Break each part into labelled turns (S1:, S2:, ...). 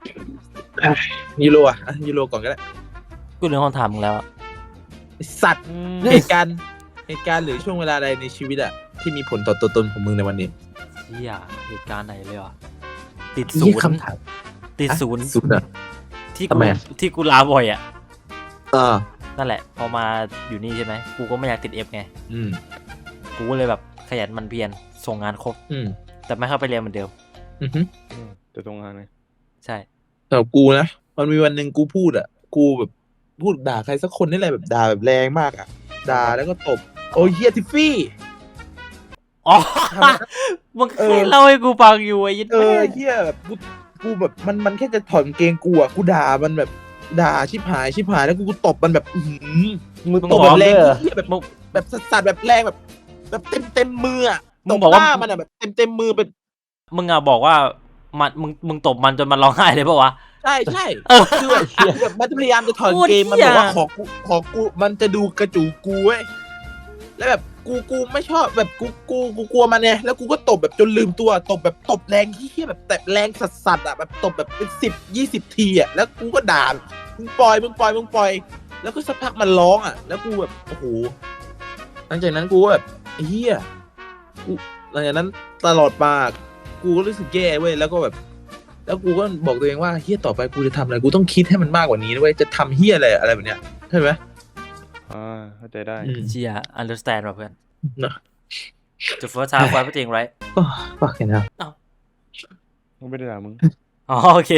S1: ยูโรอ่ะยูโรก่อนก็ได้
S2: กูเรื่องคำถามมึงแล้ว
S1: สัตว์เหตุการณ์หรือช่วงเวลาใดในชีวิตอะที่มีผลต่อตัวตนของมึงในวันนี้
S2: เฮียเหตุการณ์ไหนเลยวะติดศูนย์
S1: คำถาม
S2: ติดศูนย์
S1: อ่ะ
S2: ที่กูลาบ่อยอ่ะ
S1: เออ
S2: นั่นแหละพอมาอยู่นี่ใช่ไหมกูก็ไม่อยากติดเอฟไงกูก็เลยแบบขยันมันเพียรส่งงานครบแต่ไม่เข้าไปเรียนเหมือนเดิม
S3: จะส่งงานไง
S2: ใช่
S1: แต่กูนะมันมีวันหนึ่งกูพูดอ่ะกูแบบพูดด่าใครสักคนนี่แหละแบบด่าแบบแรงมากอ่ะด่าแล้วก็ตบโอ้ยเฮียทิฟฟี่
S2: อ๋อมึงเคยเล่าให้กูฟังอยู่ไอ้ยิน
S1: เฮียแบบกูแบบมันแค่จะถอดกางเกงกูอ่ะกูด่ามันแบบด่าชิบหายแล้วกูตบมันแบบ
S2: มึง
S1: ตบแบบแรงเฮียแบบสัสแบบแรงแบบเต็มมืออ่ะ
S2: มึงบอกว่า
S1: มันอ่ะแบบเต็มมือเป็น
S2: มึงอ่ะบอกว่ามันมึงตบมันจนมันร้องไห้เลยป่ะวะ
S1: ใช่คือแบบมันพยายามจะถอดเกมมันบอกว่าขอกูมันจะดูกระจูกูเว้ยแล้วแบบกูไม่ชอบแบบกูกลัวมันไงแล้วกูก็ตบแบบจนลืมตัวตบแบบตบแรงที่แบบแต่แรงสัสอ่ะแบบตบแบบเป็น10-20 ทีอ่ะแล้วกูก็ด่ามึงปล่อยแล้วก็สักพักมันร้องอ่ะแล้วกูแบบโอ้โหหลังจากนั้นกูก็แบบเฮียกูหลังจากนั้นตลอดมากูก็รู้สึกแย่เว้ยแล้วก็แบบแล้วกูก็บอกตัวเองว่าเฮียต่อไปกูจะทำอะไรกูต้องคิดให้มันมากกว่านี้ด้วยจะทำเฮียอะไรแบบเนี้ยใช่ไหม
S3: เข้าใจได้
S2: เชีย understand ป่ะเพื่อนThe first time for everything right
S1: ก็แค่นั้น
S3: มึงไม่ได้ด่ามึง
S2: อ๋อโอเค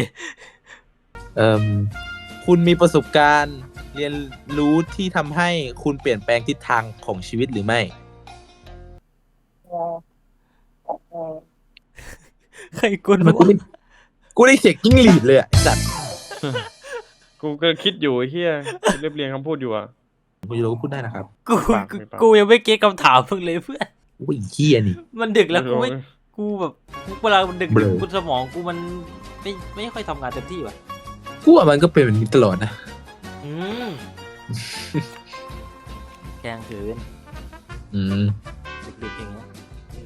S1: คุณมีประสบการณ์เรียนรู้ที่ทำให้คุณเปลี่ยนแปลงทิศทางของชีวิตหรือไม่
S2: ใครกวนวะ
S1: กูได้เสียงจิ้งหรีดเลยอ่ะสัตว์
S3: กูก็คิดอยู่เฮียเรียบเรียงคำพูดอยู่อ่ะ
S1: กูจะรู้พูดได้นะครับ
S2: กูยังไม่เก็ตคำถามเพิ่งเลยเพื่อน
S1: โอ้ยเฮียนี่
S2: มันดึกแล้วกูแบบเวลามันดึกกูสมองกูมันไม่ค่อยทำงานเต็มที่ว่ะ
S1: กูว่ามันก็เป็นแบบนี้ตลอดนะ
S2: แกงเกินดึกๆอย่างเงี้ย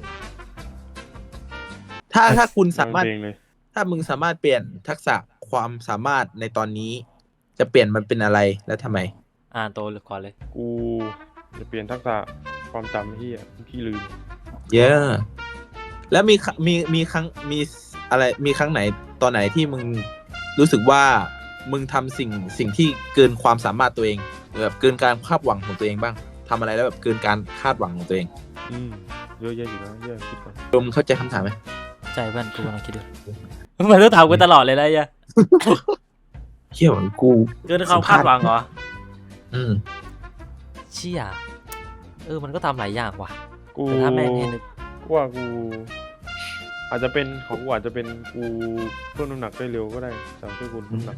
S1: ถ้าคุณสามารถถ้ามึงสามารถเปลี่ยนทักษะความสามารถในตอนนี้จะเปลี่ยนมันเป็นอะไรแล้วทำไม
S2: โตก่อนเลย
S3: กูจะเปลี่ยนทักษะความจำที่ลืม
S1: เยอะแล้วมีครั้งมีอะไรมีครั้งไหนตอนไหนที่มึงรู้สึกว่ามึงทำสิ่งที่เกินความสามารถตัวเองแบบเกินการคาดหวังของตัวเองบ้างทำอะไรแล้วแบบเกินการคาดหวังของตัวเอง
S3: เยอะแยะอยู่นะเยอะคิดก่อน
S1: มึงเข้าใจคำถามไหม
S2: ใจเพื่อนกูกำลังคิดดูมันต้องถามกูตลอดเลยนะเ
S1: หี้ยเหมือนกู
S2: เกินความคาดหวังเหรอเชี่ยมันก็ทำหลายอย่างว่ะ
S3: กูถ้าแม่งเห็นว่ากูอาจจะเป็นของกูอาจจะเป็นกูเพิ่มน้ำหนักได้เร็วก็ได้จากที่กูน้ำหนัก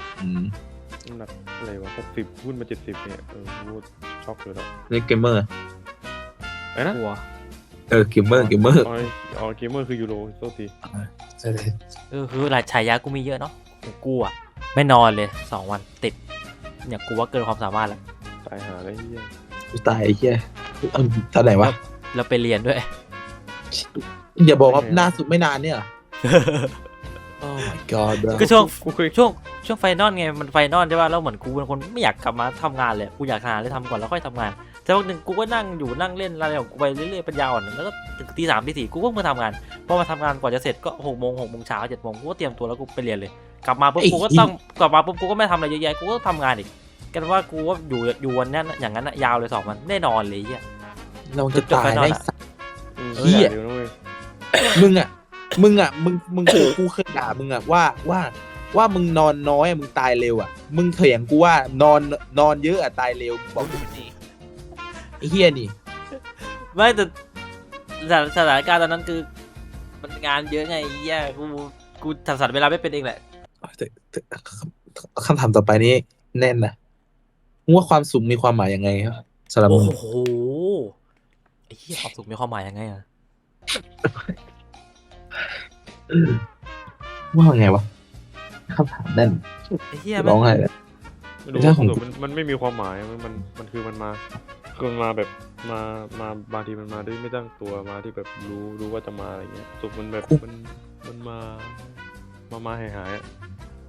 S3: อะไรวะ60ขึ้นมา70เนี่ยกูช็อกเลยแล้ว
S1: เล่นเกมเมอร์
S3: ไอ้นะ
S1: เกมเมอร์
S3: เกมเมอร์คือยูโรโทษที
S1: ใช่เลย
S2: คือหลายฉายากูมีเยอะเนาะกูอ่ะไม่นอนเลย2 วันติดเนี่ยกูว่าเกินความสามารถแล้ว
S3: ตายหาอะไรเหี้ย
S1: ตายเหี้ยท่าไหนวะ
S2: แล้วไปเรียนด้วย
S1: อย่าบอกว่าล่าสุดไม่นานเนี่ยโอ้ my god
S2: ก็ช่วงไฟนอลไงมันไฟนอลใช่ป่ะแล้วเหมือนกูเป็นคนไม่อยากกลับมาทำงานเลยกูอยากหาอะไรทำก่อนแล้วค่อยทำงานแต่วันหนึ่งกูก็นั่งเล่นอะไรของกูไปเรื่อยๆปัญญาอ่อนแล้วก็ถึงตี 3 ตี 4กูก็มาทำงานพอมาทำงานก่อนจะเสร็จก็6 โมงเช้า7 โมงกูก็เตรียมตัวแล้วกูไปเรียนเลยกลับมาปุ๊บกูก็ต้องกูก็ไม่ทำอะไรเยอะแยะกูก็ทำงานอีกกันว่ากูว่าอยู่วันนั้นอย่างนั้นยาวเลย2 วันแน่นอนเลยเฮีย
S1: เราจะตายได้เฮียมึงกูเคยด่ามึงอ่ะว่ามึงนอนน้อยมึงตายเร็วอ่ะมึงเถียงกูว่านอนเยอะอ่ะตายเร็วบอกกูนี่ไอ้เฮียนี่
S2: ไม่แต่สถานการณ์ตอนนั้นคือมันงานเยอะไงเฮียกูทำสัตว์เวลาไม่เป็นเองแหละ
S1: คำถามต่อไปนี้แน่นนะว่าความสุขมีความหมายยังไงครับสำหรับมึง
S2: โอ้โหไอ้เหี้ยความสุขมีความหมายยังไงอะ
S1: ว่าไงวะคำถามแน่น
S2: ไอ้เหี้ย
S1: ร้องไห้เลย
S3: ไม่รู้ของมันไม่มีความหมายมันคือมันมาแบบมาบางทีมันมาด้วยไม่ตั้งตัวมาที่แบบรู้ว่าจะมาอะไรเงี้ยสุขมันแบบมันมาหาย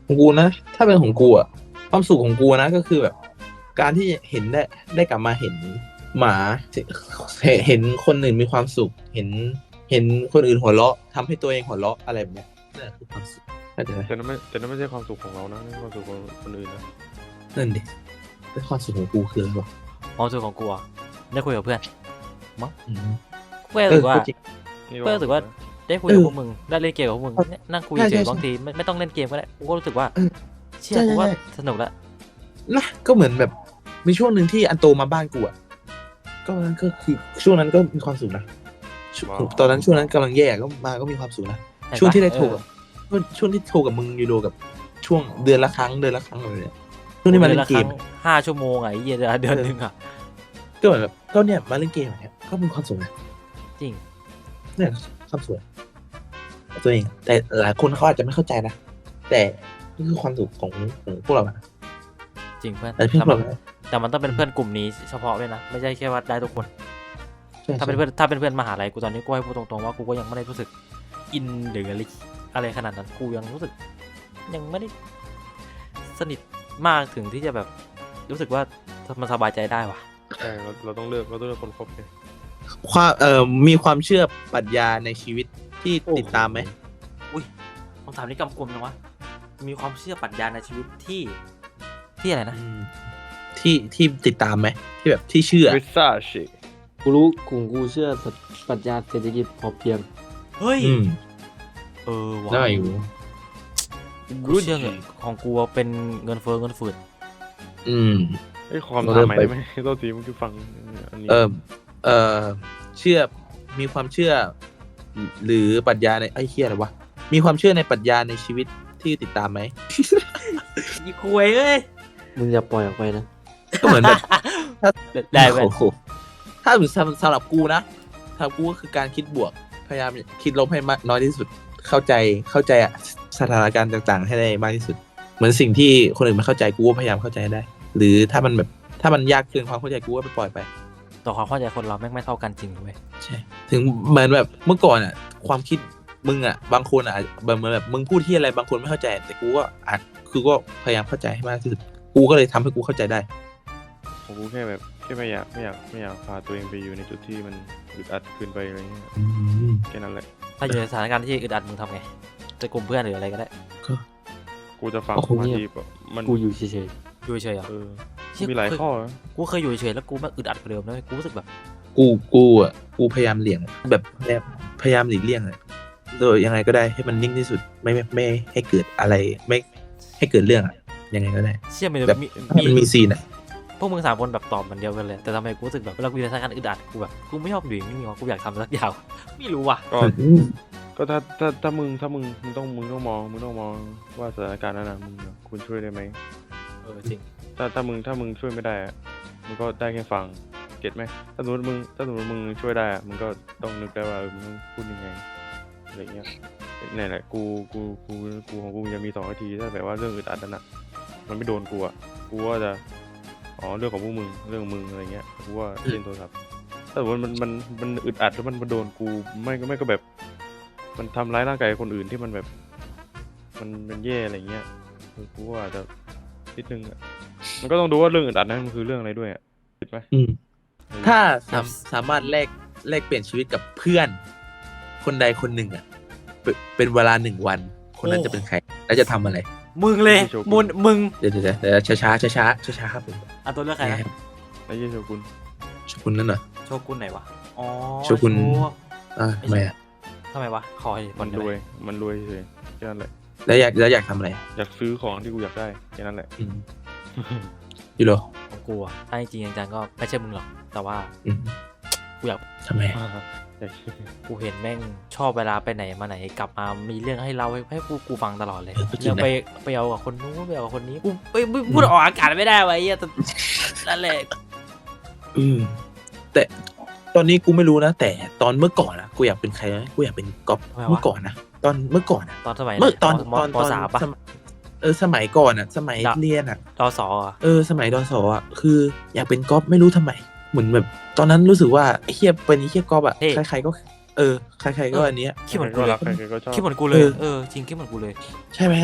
S1: ของกูนะถ้าเป็นของกูอะความสุขของกูนะก็คือแบบ การที่เห็นได้กลับมาเห็นหมาเห็นคนอื่นมีความสุขเห็นคนอื่นหัวเราะทำให้ตัวเองหัวเราะอะไรแบบเนี้ยนั่นคือความสุขเข้าใจไหม
S3: แต่นั่นไม่ใช่ความสุขของเรานะนั่นความสุขของคนอื่นนะ
S1: นั่นดิแต่ความสุขของกูคืออะไรวะ
S2: ความสุขของกูอะได้คุยกับเพื่อน
S1: อืม
S2: กูก็รู้สึกว่า
S1: ก็จริง
S3: นี่
S2: ก็รู้สึกว่า ได้คุยกับพวกมึงได้เล่นเกมกับพวกมึงเนี่ยนั่งคุย
S1: ใช่
S2: เฉย
S1: ใช่
S2: ๆบางทีไม่ต้องเล่นเกมก็ได้กูก็รู้สึกว่า
S1: เออ
S2: เชี่ยกูว่าสนุกละ
S1: นะก็เหมือนแบบมีช่วงหนึ่งที่อันโตมาบ้านกูอ่ะก็นั้นก็คือช่วงนั้นก็มีความสุขนะตอนนั้นช่วงนั้นกำลังแย่ก็มีความสุขนะ
S2: เห็นปะ
S1: ช่วงที่ได้โทร
S2: เออ
S1: ช่วงที่โทรกับมึงยูโรกับช่วงเดือนละครั้งอะไรเนี่ยช่วงที่มาเล่นเกม
S2: 5 ชั่วโมงอะไอ้เหี้ยเดือนหนึงอะ
S1: ก็เหมือนแบบก็เนี่ยมาเล่นเกมแบบเนี้ยก็เป็นความสุขนะ
S2: จริง
S1: เนี่ยความสุขตัวเองแต่หลายคนเขาอาจจะไม่เข้าใจนะแต่นี่คือความสุขของพวกเราอะ
S2: จริงเพื่อน
S1: แต่เพื่อนพวกเรา
S2: แต่มันต้องเป็นเพื่อนกลุ่มนี้เฉพาะด้วยนะไม่ใช่แค่ว่าได้ทุกคน
S1: ใช่
S2: ถ้าเป็นเพื่อนมหาลัยกูตอนนี้กูให้พูดตรงๆว่ากูก็ยังไม่ได้รู้สึกอินหรืออะไรขนาดนั้นกูยังรู้สึกยังไม่ได้สนิทมากถึงที่จะแบบรู้สึกว่ามันสบายใจได้ว่ะ
S3: ใช่เราต้องเลือกคนคบไง
S1: ความมีความเชื่อปรัชญาในชีวิตที่ติดตามไหม
S2: อุ้ยคำถามนี้กำกวมจังวะมีความเชื่อปรัชญาในชีวิตที่อะไรนะ
S1: ที่ติดตามไหมที่แบบที่เชื่อ
S3: วิซ่าชิ
S4: กูรู้กลุ่มกูเชื่อปรัชญาเศรษฐกิจพอเพียง
S2: เฮ้ย
S1: อืม
S2: ว่ะ
S1: ได้อยู่
S2: กูเชื่อเงินของกูเป็นเงินเฟ้อเงินฝืด
S1: อืม
S3: ไอ้ยความ
S1: เรา
S3: ถา
S1: เริ่
S3: ม
S1: ม
S3: ใหม่
S1: ไป
S3: ได้ไหมตัวทีมันคือฟังอันนี้
S1: เชื่อมีความเชื่อ หรือปรัชญาในไอ้เหี้ยอะไรวะมีความเชื่อในปรัชญาในชีวิตที่ติดตามไหม
S2: ยี่คุยเอ้ย
S4: มึงอย่าปล่อยออกไปนะ
S1: ก็เหมือนแบบ
S2: ได้เว้ย
S1: โอ้โหถ้าสำหรับกูนะสำหรับกูก็คือการคิดบวกพยายามคิดลบให้มากน้อยที่สุดเข้าใจอะสถานการณ์ต่างๆ ให้ได้มากที่สุด เหมือนสิ่งที่คนอื่นไม่เข้าใจกูก็พยายามเข้าใจให้ได้ หรือถ้ามันยากเกินความเข้าใจกูก็ไปปล่อยไป
S2: ต่อความเข้าใจคนเราแม่งไม่เท่ากันจริงเว้ย
S1: ใช่ถึงเหมือนแบบเมื่อก่อนอ่ะ ความคิดมึงอ่ะ บางคนอ่ะเหมือนแบบมึงพูดที่อะไรบางคนไม่เข้าใจ แต่กูก็ก็พยายามเข้าใจให้มากที่สุดกูก็เลยทำให้กูเข้าใจได้
S3: ของกูแค่แบบแค่ไม่อยากพาตัวเองไปอยู่ในจุดที่มันอึดอัดเกินไปอะไรเงี้ย
S1: อืม
S3: แค่นั้นแหละ
S2: ถ้าอยู่ในสถานการณ์ที่อึดอัดมึงทำไงจะกลุ่มเพื่อนหรืออะไรก็ได้
S3: กูจะฟัง
S4: โอ้โห
S3: บาง
S4: เงียบ
S3: ทีแบบมัน
S4: กูอยู่เฉย
S2: อยู่เฉยๆเหรอ
S3: เออ
S2: เชี่ย
S3: มีหลายข้อนะ
S2: กูเคยอยู่เฉยๆแล้วกูแม่งอึดอัดกว่าเดิมนะเว้ยกูรู้สึกแบบ
S1: กูพยายามเลี่ยงแบบพยายามหลีกเลี่ยงเลยโดยยังไงก็ได้ให้มันนิ่งที่สุดไม่ให้เกิดอะไรไม่ให้เกิดเรื่องอะยังไงก็ได้
S2: เชี่ยมัน
S1: แบบ ให้มันมีซีนอ่ะ
S2: พวกมึง3 คนแบบตอบเหมือนเดียวกันเลยแต่ทำไมกูรู้สึกแบบเวลากูอยู่ในสถานการณ์อึดอัดกูแบบกูไม่ชอบอยู่นิ่งๆวะกูอยากทำสักอย่างไม่รู้ว่ะ
S3: ก็ถ้ามึงต้องมองว่าสถานการณ์นั้นนะมึงคุณช่วยได้ไหม
S2: จริง
S3: ถ้ามึงช่วยไม่ได้อะมึงก็ได้แค่ฟังเก็ตไหมถ้าสมมติมึงช่วยได้อะมึงก็ต้องนึกได้ว่ามึงต้องพูดยังไงอะไรเงี้ยนี่แหละกูของกูจะมี2 วิธีถ้าแบบว่าเรื่องอึดอัดนั่นน่ะมันไม่โดนกูอ่ะกูว่าจะเรื่องของพวกมึงเรื่องมึงอะไรเงี้ยกูว่าเล่นโทรศัพท์ถ้าสมมติมันอึดอัดแล้วมันโดนกูไม่ก็แบบ มันทำร้ายร่างกายคนอื่นที่มันแบบมันแย่อะไรเงี้ยกูว่าอาจจะนิดนึงอ่ะมันก็ต้องดูว่าเรื่องอึดอัดนั้นมันคือเรื่องอะไรด้วยอ่ะผิดไหม
S1: ถ้าสามารถแลกเปลี่ยนชีวิตกับเพื่อน คนใดคนหนึ่งอ่ะเป็นเวลา1 วัน คนนั้นจะเป็นใคร แล้วจะทำอะไร
S2: มึงเลยมึง
S1: เดี๋ยวช้าครับผม
S2: อ่ะตัวเลือกใครนะ
S3: ไอ้เหี้ยโชกุน
S1: ชกุนนั่นเหรอ
S2: โชกุนไหนวะอ๋อ
S1: โชกุน ทำไมอ่ะ
S2: ทำไมวะขอให้ค
S3: มัน นรวยเฉยแค่นั้นแหละ
S1: แล้วอยากทำอะไร
S3: อยากซื้อของที่กูอยากได้แค่นั้นแหละ
S1: อืมยูโร
S2: ของกูอะถ้าจริงๆจังๆก็ไม่ใช่มึงหรอกแต่ว่า
S1: อืม
S2: กูอยาก
S1: ทำไม
S3: อยาก
S2: กูเห็นแม่งชอบเวลาไปไหนมาไหนกลับมามีเรื่องให้เราให้กูฟังตลอดเลย
S1: ก็จริ
S2: เรื่อง ง
S1: นะ
S2: ไปเอากับคนนู้นไปเอากับคนนี้กูไม่พูดออกอากาศไม่ได้วะไอ้เหี้ยแต่นั่นแหละ
S1: อืมแต่ตอนนี้กูไม่รู้นะ แต่ตอนเมื่อก่อนอะกูอยากเป็นใครนะกูอยากเป็นก๊อฟเมื่อก่อนนะตอนเมื่อก่อนอะ
S2: ตอนสมัย
S1: เมื่อตอน
S2: ปสามปะ
S1: สมัยก่อนอะสมัยเรียนอะ
S2: ดสอ่ะ
S1: สมัยดสอ่ะคืออยากเป็นก๊อฟไม่รู้ทำไมเหมือนแบบ ตอนนั้นรู้สึกว่าไอ้เฮียเป็นไอ้เฮียก๊อฟอ่ะใครๆก็ใครๆก็อันเนี้ย
S2: คิดเหมือนกู
S3: ก็
S2: เล
S3: รั
S2: ย
S3: กใครๆก็ชอบ
S2: คิดเหมือนกูเลยจริงคิดเหมือนกูเลย
S1: ใช่ไหมอ่ะ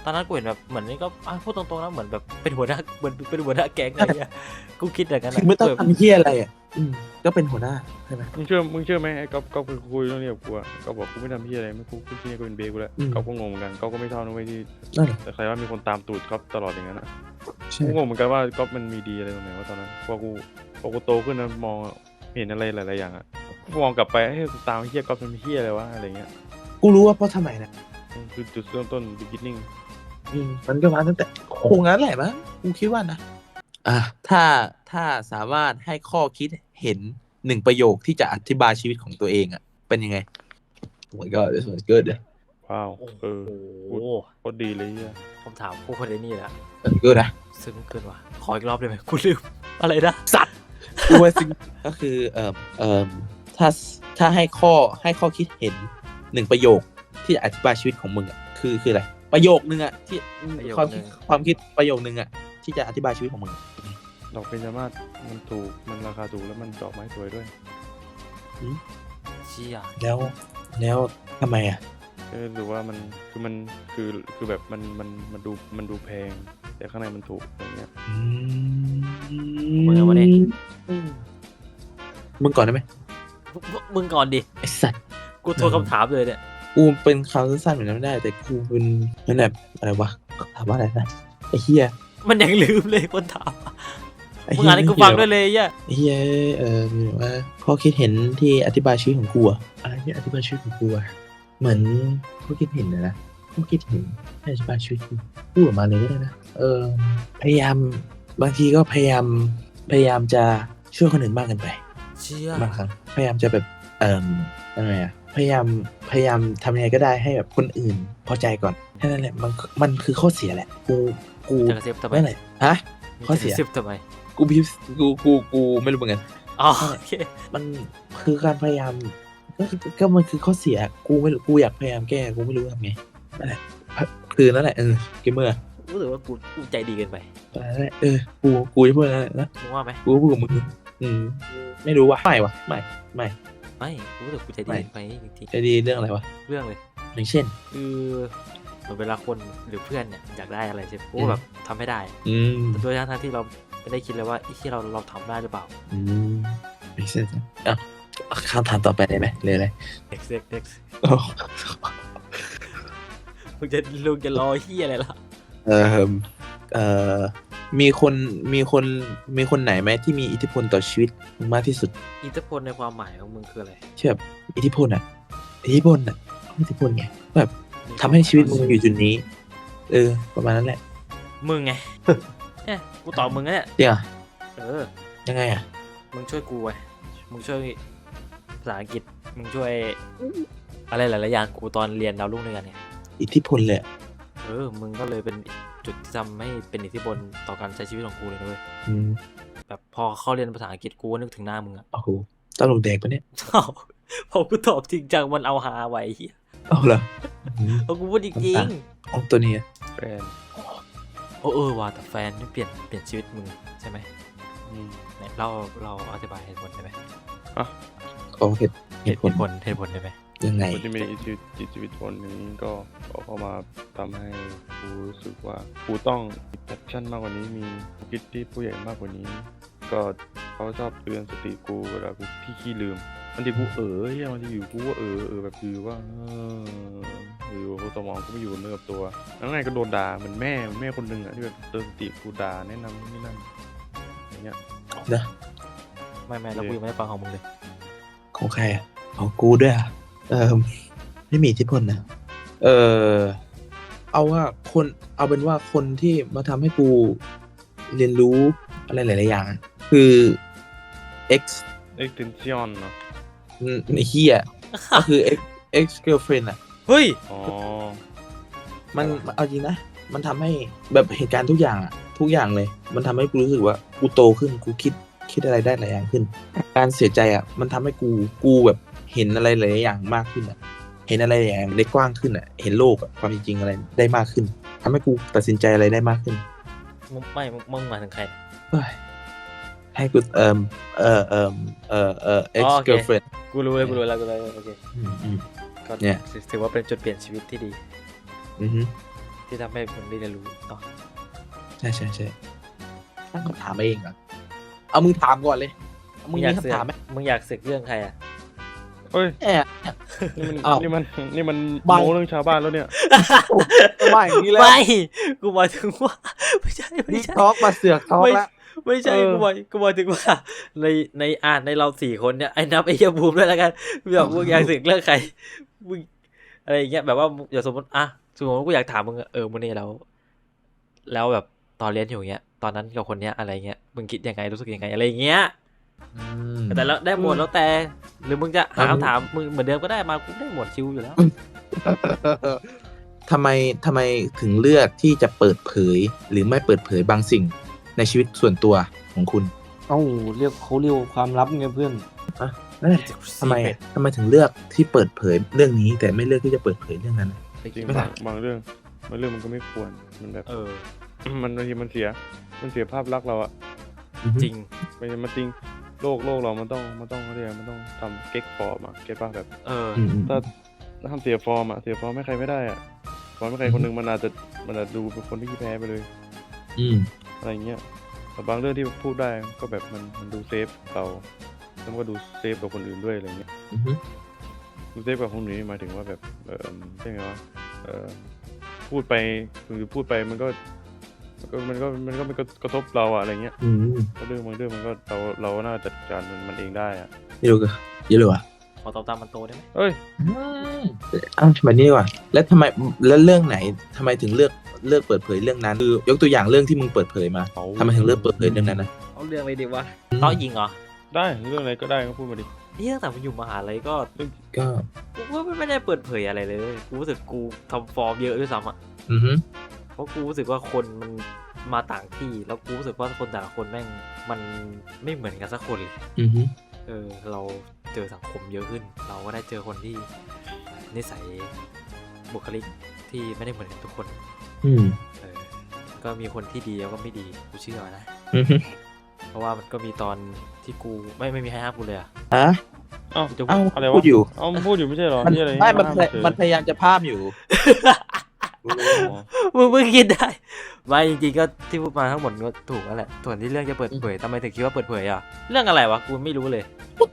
S2: ตอนนั้นกูเห็นแบบเหมือนนี่ก็พูดตรงๆนะเหมือนแบบเป็นหัวหน้าเหมือนเป็นหัวหน้าแก๊งอะไรเงี้ยกูคิดอย่างนั้น
S1: คือไม่ต้องทำเฮียอะไรอ่ะก็เป็นหัวหน้าใช่ไหม
S3: มึงเชื่อไหมไอ้ก๊อฟไปคุยเรื่องนี้กับกูอะก๊อฟบอกกูไม่ทำพี่อะไรไม่กูที่นี่ก็เป็นเบย์กูแล้วก๊อฟก็งงเหมือนกันก๊อฟก็ไม่ชอบนะเว้ยที่
S1: นั่นแหละ
S3: แต่ใครว่ามีคนตามตูดก๊อฟตลอดอย่างนั้นอะ
S1: ใช่
S3: กูงงเหมือนกันว่าก๊อฟมันมีดีอะไรตรงไหนวะตอนนั้นพอกูโตขึ้นนะมองเห็นอะไรหลายๆอย่างอะกูมองกลับไปเฮ้ยกูตามเฮียก๊อฟมันมีเฮียอะไรวะอะไรเงี้ย
S1: กูรู้ว่าเพราะทำไมนะ
S3: คือจุดเริ่มต้น beginning
S1: มันก็มาตั้งแต่คงงั้นแหละมั้งกูคิดว่านะถ้าสามารถให้ข้อคิดเห็น1 ประโยคที่จะอธิบายชีวิตของตัวเองอ่ะเป็นยังไง Oh my god this was good
S3: ว้าว
S2: โอ้
S3: เออ
S2: โห
S3: โคตรดีเลยเฮีย
S2: คำถามพวกคนนี้แหละ
S1: That's good นะ
S2: ซึ้งเกินว่ะขออีกรอบได้ไหมกูลืมอะไรนะ
S1: สัตว์กูว่าสิ่งก็คือถ้าให้ข้อคิดเห็น1 ประโยคที่จะอธิบายชีวิตของมึงอ่ะคืออะไรประโยคนึงอ่ะที่ความคิดประโยคนึงอ่ะที่จะอธิบายชีวิตของมึง
S3: ดอกเบญจมาศมันถูกมันราคาถูกแล้วมันดอกไม้สวยด้วย
S2: เชี่ย
S1: แล้วทำไมอ่ะ
S3: ก็รู้สึกว่ามันคือแบบมันดูแพง แต่ข้างในมันถูกอะไรเงี้ย
S2: มึงเอามาดิ
S1: มึงก่อนได้ไหม
S2: มึงก่อนดิ
S1: ไอ้สัตว์
S2: กูโทรคำถามเลยเนี่ย
S1: กูเป็นคำสั้นๆเหมือนนั้นไม่ได้ แต่กูเป็นนั่นแบบอะไรวะถามว่าอะไรนะไอ้เฮีย
S2: มันยังลืมเลยคนถาม
S1: ไอ้
S2: มึง
S1: เหี้ย
S2: อ่านให้กูฟังด้วยเลยย่ะ
S1: ไอ้เฮียมีว่าข้อคิดเห็นที่อธิบายชีวิตของกูอะอะไรที่อธิบายชีวิตของกูอะเหมือนข้อคิดเห็นนะข้อคิดเห็นที่อธิบายชีวิตกูพูดออกมาเลยก็ได้นะพยายามบางทีก็พยายามจะช่วยคนอื่นมากเกินไป
S2: เชี่ย
S1: บางครั้งพยายามจะแบบยังไงอะพยายามทำยังไงก็ได้ให้แบบคนอื่นพอใจก่อนแค่นั้นแหละมันคือข้อเสียแหละกู
S2: จะกระซิบทำไม
S1: นั่นแหละฮะ ข้อเสีย
S2: จะกระซิบทำไม
S1: กูพิมพ์กูไม่รู้เหมือนกัน
S2: อ๋อโอเค
S1: มันคือการพยายามก็มันคือข้อเสียกูไม่รู้กูอยากพยายามแก้กูไม่รู้ทำไงนั่นแหละคือนั่นแหละเกมเมอร์
S2: รู้สึกว่ากูใจดีเกินไป
S1: นั่นแหละกูจะพูดอะไรนะ
S2: มึงว่าไหม
S1: กูพูดกับมึงไม่รู้ว่ะไม่
S2: ไม่กูรู้สึกกูใจดีเกินไปจริง
S1: จะดีเรื่องอะไรวะ
S2: ๆเรื่องเลย
S1: อย่างเช่น
S2: คือเหมือนเวลาคนหรือเพื่อนเนี่ยอยากได้อะไรใช่ไหมกูก็แบบทำไม่ได้ แต่โดยทั้งที่เราไม่ได้คิดเลยว่าไอ้ที่เราทำได้หรือเปล่า
S1: ไม่ใช่คำถามต่อไปได้ไหมเลยอะไร
S2: next มึงจะรอเฮียอะไรล่ะ
S1: มีคนไหนไหมที่มีอิทธิพลต่อชีวิตมึงมากที่สุด
S2: อิทธิพลในความหมายของมึงคืออะไร
S1: เชื่อแบบอิทธิพลไงแบบทำให้ชีวิตมึงอยู่จุดนี้ ประมาณนั้นแหละ
S2: มึงไง เนี่ยกูตอบมึงนะเนี่ย
S1: จริงอ่ะ
S2: เออ
S1: ยังไงอ่ะ
S2: มึงช่วยกูไว้มึงช่วยภาษาอังกฤษมึงช่วยอะไรหลายๆอย่างกูตอนเรียนดาวรุ่งด้วยกันเนี่ย
S1: อิทธิพลเลยอะ
S2: มึงก็เลยเป็นจุดที่ทำให้เป็นอิทธิพลต่อการใช้ชีวิตของกูเลยนะเว้ย แบบพอเข้าเรียนภาษาอังกฤษกูก็นึกถึงหน้ามึงอะ
S1: โอ้โหตลกแดกปะเนี่ย
S2: พอกูตอบจริงจังมันเอาหาไว้เหี้ย
S1: เอาเหรอ
S2: พอกูพูดจริง
S1: เอาตัวนี้อะ
S3: แฟน
S2: ๆว่ะแต่แฟนนี่เปลี่ยนชีวิตมึงใช่ไหม
S3: อืม
S2: เนี่ยเราอธิบายเหตุผลได้ไหม
S1: ขอเหตุผล
S2: ได้ไหม
S1: ยังไง
S3: คนที่มีชีวิตคนนี้ก็เข้ามาทำให้กูรู้สึกว่ากูต้องมีแพชชั่นมากกว่านี้มีคิดที่ผู้ใหญ่มากกว่านี้ ก็เขาชอบเตือนสติกูเวลากูที่ขี้ลืมบางทีกูเฮียบางทีอยู่กูก็แบบคือว่าอยู่กูสมองกูไม่อยู่กับเนื้อกับตัวแล้วไงก็โดนด่าเหมือนแม่คนหนึ่งอะที่แบบเตือนสติกูด่าแนะนำนี่นั่นอย่างเงี้ย
S1: นะ
S2: ไม่แล้วกูยังไม่ได้ฟังของมึงเลย
S1: ของใครอ่ะของกูด้วยอ่ะไม่มีอิทธิพลนะเอาเป็นว่าคนที่มาทำให้กูเรียนรู้อะไรหลายๆอย่างอะคือ
S3: extension เนาะ
S1: ไอ้เฮียก็คือ ex girlfriend อ่ะ
S2: เฮ้ย
S3: อ๋อ
S1: มันเอาจริงนะมันทำให้แบบเหตุการณ์ทุกอย่างเลย มันทำให้กูรู้สึกว่ากูโตขึ้นกูคิดอะไรได้หลายอย่างขึ้น การเสียใจอ่ะมันทำให้กูแบบเห็นอะไรหลายอย่างมากขึ้นอ่ะเห็นอะไรหลายอย่างได้กว้างขึ้นอ่ะเห็นโลกอ่ะความจริงอะไรได้มากขึ้นทำให้กูตัดสินใจอะไรได้มากขึ้น
S2: มึงหมายถึงใคร
S1: เฮ้ยให้กูex girlfriend
S2: กูรู้แล้วโอเค
S1: อืม
S2: ก็
S1: เนี่ย
S2: ถือว่าเป็นจุดเปลี่ยนชีวิตที่ดี
S1: อือฮึ
S2: ที่ทำให้มึงได้เรียนรู้เนาะ
S1: ใช่ตั้งคำถามเองอ่ะเอามึงถามก่อนเลยเอามึง
S2: อยา
S1: มี
S2: กเสื
S1: คำ
S2: อก
S1: ถามไหม
S2: มึงอยากเสือกเรื่องใครอ่ะ
S3: เอ้ย
S1: แอบ อ้าว
S3: นี่มัน
S1: บาง
S3: โม้เรื่องชาวบ้านแล้วเนี่ย
S1: มาอย่างนี้แล้ว
S2: ไม่กูหมายถึงว่าไม่ใช่
S1: นี่ทอล์กมาเสือกทอล์ก
S2: ไม่
S1: แล้ว
S2: ไม่ใช่
S3: เออ
S2: กูหมายถึงว่าในเรา4 คนเนี่ยไอ้นับไอ้เหี้ยบูมด้วยแล้วกันมึงอยากอยากเสือกเรื่องใครมึงอะไรอย่างเงี้ยแบบว่าอย่าสมมติกูอยากถามมึงมึงเนี่ยแล้วแบบตอนเรียนอยู่เงี้ยตอนนั้นกับคนเนี้ยอะไรเงี้ยมึงคิดยังไงรู้สึกยังไงอะไรอย่างเงี้ยแต่แล้วได้หมดแล้วแต่หรือมึงจะหาคำถามมึงเหมือนเดิมก็ได้มากูได้หมดชิวอยู่แล้ว
S1: ทำไมถึงเลือกที่จะเปิดเผยหรือไม่เปิดเผยบางสิ่งในชีวิตส่วนตัวของคุณ
S4: เอ้าเขาเรียกว่าความลับไงเพื่อน
S1: ทำไมถึงเลือกที่เปิดเผยเรื่องนี้ แต่ไม่เลือกที่จะเปิดเผยเรื่องนั้น
S3: จริง
S1: ไม่ได้
S3: บางเรื่องมันก็ไม่ควรมันแบบ
S2: เออ
S3: มันบางทีมันเสียภาพลักษณ์เราอะ
S2: จริง
S3: มันจริงโลกเรามันต้องเรียกมันต้องทำเก๊กฟอร์มอะเก็ตป่ะแบบ
S1: อืม
S3: ถ้าทำเสียฟอร์มอะเสียฟอร์มให้ใครไม่ได้อะฟอร์มให้ใครคนหนึ่งมันอาจจะดูเป็นคนที่แพ้ไปเลย
S1: อืม
S3: อะไรเงี้ยแต่บางเรื่องที่พูดได้ก็แบบมันดูเซฟเราแล้วมันก็ดูเซฟกับคนอื่นด้วยอะไรเงี้ย
S1: อืม
S3: ดูเซฟกับคนอื่นนี่หมายถึงว่าแบบใช่ไงวะพูดไปคือพูดไปมันก็ไม่กระทบเราอะอะไรเงี้ย
S1: อืม
S3: เรื่องบางเรื่องมันก็เราน่าจัดการมันเองได้อะ
S1: นี่รู้กันเยอะเลยวะ
S2: ขอตอบตามมันโตได้ไหม
S3: เอ้ย
S1: อ้าวทำไมนี่ดีกว่าแล้วทำไมแล้วเรื่องไหนทำไมถึงเลือกเปิดเผยเรื่องนั้นคือยกตัวอย่างเรื่องที่มึงเปิดเผยมาทำไมถึงเลือกเปิดเผยเรื่องนั้นนะ
S2: เอาเรื่องอะไรดีวะต้อยิงเหรอ
S3: ได้เรื่องอะไรก็ได้ก็พูดมาดิ
S2: นี่ตั้งแต่ผมอยู่มหาลัยก็
S1: ก็
S2: กูก็ไม่ได้เปิดเผยอะไรเลยกูรู้สึกกูทำฟอร์มเยอะด้วยซ้ำอ่ะ
S1: อือฮึ
S2: เพราะกูรู้สึกว่าคนมันมาต่างที่แล้วกูรู้สึกว่าคนแต่ละคนแม่งมันไม่เหมือนกันสักคนเลย
S1: อือฮึ
S2: เราเจอสังคมเยอะขึ้น เราก็ได้เจอคนที่นิสัยบุคลิกที่ไม่ได้เหมือนกันทุกคน
S1: อืม
S2: ก็มีคนที่ดีแล้วก็ไม่ดีกูเชื่อนะ
S1: อือฮึ
S2: เพราะว่ามันก็มีตอนที่กูไม่มีใครห้ามกูเลยอะ
S1: ฮะ
S3: เอ้า
S2: จะ
S1: เอ้า
S3: อะไร
S1: พู
S3: วะ
S1: ดอยู่
S3: เอ้ามันพูดอยู่ไม่ใช่เหรอ
S1: มัน
S3: นี่อะไร
S1: ไม่
S3: ห้า
S1: มันพยายามจะภาพอยู่
S3: อ๋อ
S2: มึงคิดได้ไม่จริงๆก็ที่พูดมาทั้งหมดก็ถูกแล้วแหละส่วนที่เรื่องจะเปิดเผยทำไมถึงคิดว่าเปิดเผยอ่ะเรื่องอะไรวะกูไม่รู้เลย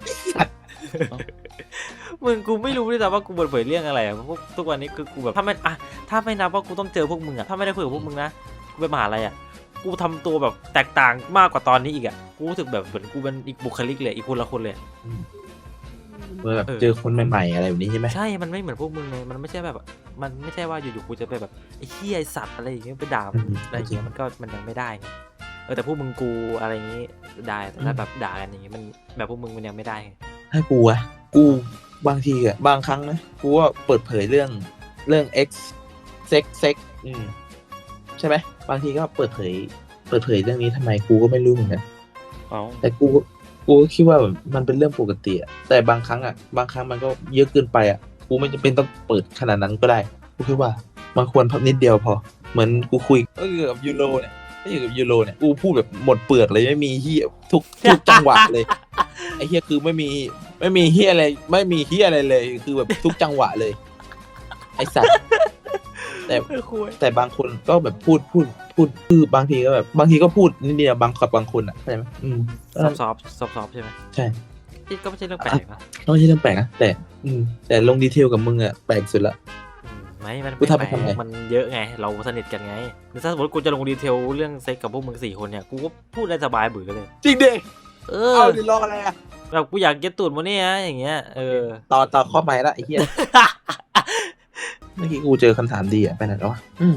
S2: มึงกูไม่รู้ด้วยซ้ำว่ากูเปิดเผยเรื่องอะไรอ่ะพวกทุกวันนี้คือกูแบบถ้าไม่นับว่ากูต้องเจอพวกมึงอ่ะถ้าไม่ได้คุยกับพวกมึงนะกูไปมหาลัยอ่ะกูทำตัวแบบแตกต่างมากกว่าตอนนี้อีกอ่ะกูรู้สึกแบบเหมือนกูเป็นอีกบุคลิกเลยอีกคนละคนเลย
S1: เมื่อแบบเจอคนใหม่ๆอะไรแบบนี้ใช่ไหม
S2: ใช่มันไม่เหมือนพวกมึงเลยมันไม่ใช่แบบมันไม่ใช่ว่าอยู่ๆกูจะไปแบบไอ้เหี้ยไอ้สัตว์อะไรอย่างเงี้ยไปด่ามันอะไรอย่างเงี้ยมันยังไม่ได้ไงแต่พวกมึงกูอะไรอย่างงี้ได้แต่ถ้าแบบด่ากันอย่างงี้มันแบบพวกมึงมันยังไม่ได้ไง
S1: ถ้ากูอะกูบางทีอะบางครั้งนะกูว่าเปิดเผยเรื่องX เซ็กใช่ไหมบางทีก็เปิดเผยเรื่องนี้ทำไมกูก็ไม่รู้เหมือนกัน
S3: เอ้า
S1: แต่กูก็คิดว่าแบบมันเป็นเรื่องปกติอะแต่บางครั้งมันก็เยอะเกินไปอะกูไม่จำเป็นต้องเปิดขนาดนั้นก็ได้กูคิดว่ามันควรพับนิดเดียวพอเหมือนกูคุยก็อยู่กับยูโรเนี่ยกูพูดแบบหมดเปลือกเลยไม่มีเฮียทุกจังหวะเลยไอ้เฮียคือไม่มีเฮียอะไรไม่มีเฮียอะไรเลยคือแบบทุกจังหวะเลยไอ้สัตว์แต่บางคนก็แบบพูดคือบางทีก็แบบบางทีก็พูดนิดเดียวบางคนอ่ะเข้าใจไหม
S2: ซอฟใช่ไหม
S1: ใช่
S2: ที่ก็ไม่ใช่เรื่องแปลกนะ
S1: ไม่ใช่เรื่องแปลกนะแต่ลงดีเทลกับมึงอ่ะแปลกสุดละ
S2: มัน
S1: กู
S2: ไม่
S1: ทำ
S2: แปล
S1: ไปทำไม
S2: กมันเยอะไงเราสนิทกันไงหรือถ้าสมมติกูจะลงดีเทลเรื่องเซ็กกับพวกมึง4 คนเนี่ยกูก็พูดได้สบายเบื่อเลย
S1: จริงดิ
S2: เอา
S1: ดิรออะไรอ่ะ
S2: แบบกูอยากเก็ตตูดมาเนี่ยอย่างเงี้ย
S1: ต่อข้อใหม่ละไอ้เหี้ย เมื่อกี้กูเจอคำถามดีอ่ะไปไหนแล้ววะ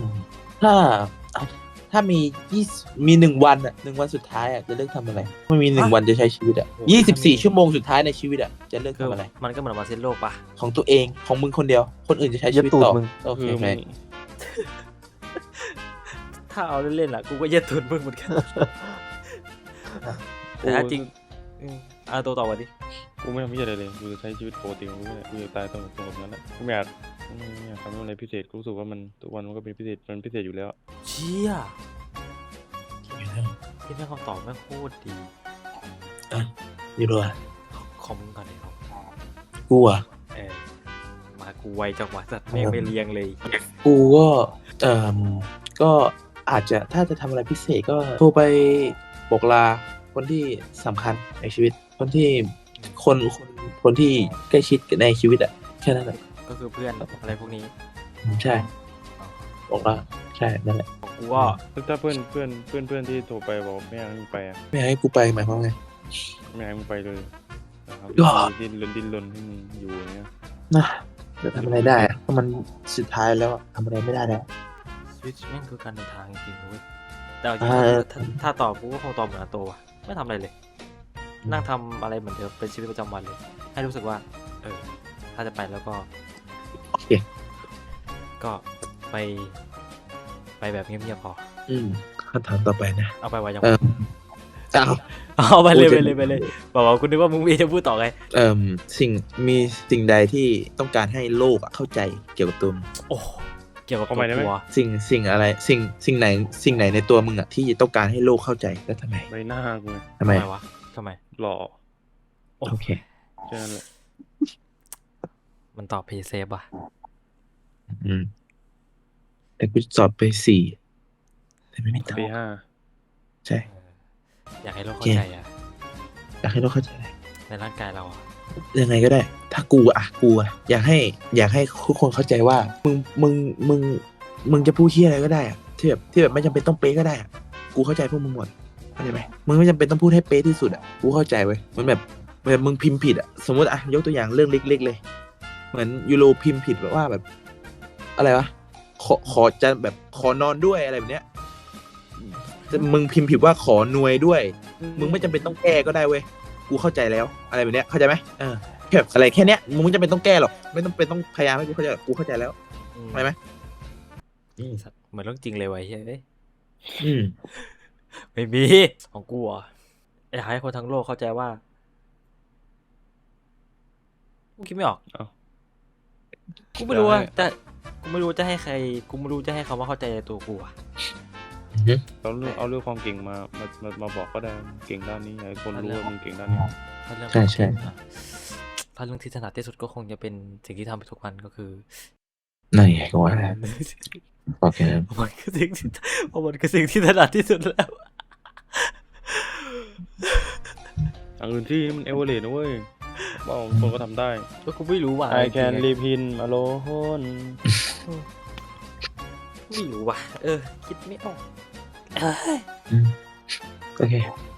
S1: ถ้ามี1 วันอ่ะ1 วันสุดท้ายอ่ะจะเลือกทำอะไรไม่มี1 วันจะใช้ชีวิตอ่ะ24 ชั่วโมงสุดท้ายในชีวิตอ่ะจะเลือก
S2: คือ
S1: ทำอะไร
S2: มันก็เหมือนมาเซนโลกปะ
S1: ของตัวเองของมึงคนเดียวคนอื่นจะใช้ชีวิตต่อโอเค
S3: คือ
S1: ไหม
S2: ถ้าเอาเล่นๆล่ะกูก็เย็ดตูดมึงเหมือนกันแต่ถ้าจริงเอาตัวต่อวันดิ
S3: กูไม่ทำอะไรเลยกูจะใช้ชีวิตปกติของกูเนี่ยกูจะตายตรงแบบนั้นแหละกูไม่อยากทำอะไรพิเศษกูรู้สึกว่ามันทุกวันมันก็เป็นพิเศษมันพิเศษอยู่แล้ว
S2: เชี่ยที่แม่งคำตอบแม่งโคตรดี
S1: อยู่ด้วย
S2: คอมมึงก่อนเลยครับ
S1: กูอ่ะ
S2: มากูไวจังหวะสัตว์แม่งไม่เรียงเลย
S1: กูก็ก็อาจจะถ้าจะทำอะไรพิเศษก็โทรไปบอกลาคนที่สำคัญในชีวิต คนที่คนที่ใกล้ชิดในชีวิตอะแค่นั้นแหละ
S2: ก็คือเพื่อนอะไรพวกนี้
S1: ใช่ บอกลาใช่นั่นแหละ
S2: กูก็
S3: ถ้าเพื่อนที่โทรไปบอกไม่อยากให้มึงไปอ่ะ
S1: ไม่อยากให้กูไปหมายความว่าไง
S3: ไม่อยากให้มึงไปเลยนะครับ
S1: ก็
S3: ดิ้นรนให้มึงอยู่อย่างเงี้ย
S1: นะจะทำอะไรได้อะเพราะมันสุดท้ายแล้วอะทำอะไรไม่ได้แล้ว
S2: สวิตช์แม่งคือการเดินทางจริงๆเว้ยแต่เอาจริง
S1: อ่า
S2: ๆถ้าตอบกูก็คงตอบเหมือนอาโตว่ะไม่ทำอะไรเลย นั่งทำอะไรเหมือนเดิมเป็นชีวิตประจำวันเลย ให้รู้สึกว่า ถ้าจะไปแล้วก็
S1: โอเค
S2: ก็ไปแบบเงียบๆพอ
S1: คำถามต่อไปนะ
S2: เอาไปไว้ยัง
S1: เออเอา
S2: เอาไปเลย
S1: พู
S2: ไป
S1: ด
S2: เลยไปเลยบอกว่าคุณนึกว่ามึงมีจะพูดต่อไง
S1: สิ่งใดที่ต้องการให้โลกอะเข้าใจเกี่ยวกับตัวมึง
S2: โอ้เกี่ยวกับตัวกูอะ
S1: สิ่งไหนในตัวมึงอะที่ต้องการให้โลกเข้าใจแล้วทำไม
S3: ใบหน้ากูไง
S1: ทำไม
S2: วะทำไม
S3: หล่อ
S1: โอเค
S3: แค่นั้นแหละ
S2: มันตอบเพย์เซฟว่ะ
S1: แต่กูสอบไป4แต่ไม่มีตัง
S3: ปี
S1: ค์
S3: 5
S1: ใช่
S2: อยากให้โลกเข้าใจอะ
S1: อยากให้โลกเข้าใจ
S2: ในร่างกายเราอะ
S1: ยังไงก็ได้ ถ้ากูอยากให้ทุกคนเข้าใจว่ามึงจะพูดเหี้ยอะไรก็ได้อะที่แบบไม่จำเป็นต้องเป๊ะก็ได้อะกูเข้าใจพวกมึงหมดเข้าใจไหมมึงไม่จำเป็นต้องพูดให้เป๊ะที่สุดอะกูเข้าใจเว้ยมันแบบมึงพิมพ์ผิดอะสมมติอะยกตัวอย่างเรื่องเล็กๆเลย เหมือนยูโรพิมพ์ผิดแบบว่าแบบ อะไรวะขอจะแบบขอนอนด้วยอะไรแบบเนี้ยแต่มึงพิมพ์ผิดว่าขอนวยด้วย มึงไม่จำเป็นต้องแก้ก็ได้เว้ย กูเข้าใจแล้ว อะไรแบบเนี้ย เข้าใจไหมแบบอะไรแค่เนี้ย มึงไม่จำเป็นต้องแก้หรอก ไม่ต้องเป็นต้องพยายามให้กูเข้าใจหรอกกูเข้าใจแล้ว เข้าใจไหม
S2: เหมือนเรื่องจริงเลยว่ะเฮ้ย
S1: อืม
S2: ไม่มีของกูอ่ะอยากให้คนทั้งโลกเข้าใจว่ากูคิดไม่ออก
S3: เอ้า
S2: กูไม่รู้ว่าแต่กูไม่รู้จะให้ใครกูไม่รู้จะให้คำว่าเข้าใจในตัวกูอ่ะ
S3: เอาเรื่องความเก่งมาบอกก็ได้มึงเก่งด้านนี้อยากให้คนรู้ว่ามึงเก่งด้านนี้
S2: ถ้าเรื่อง
S1: ใช่ใช่
S2: ถ้าเรื่องที่ถนัดที่สุดก็คงจะเป็นสิ่งที่ทำไปทุกวันก็คือ
S1: นั่นไงก็ว่าแล้วโอเคนั้น
S2: มันคือสิ่งที่มันคือสิ่งที่ถนัดที่สุดแล้ว
S3: อันอื่นที่มันเอเวอเรสต์นะเว้ยบอกคนก็ทำได้
S2: ก็กูไม่รู้ว่ะ
S3: I can live in alone
S2: ไม่รู้ว่ะคิดไม่ออก
S1: โอเค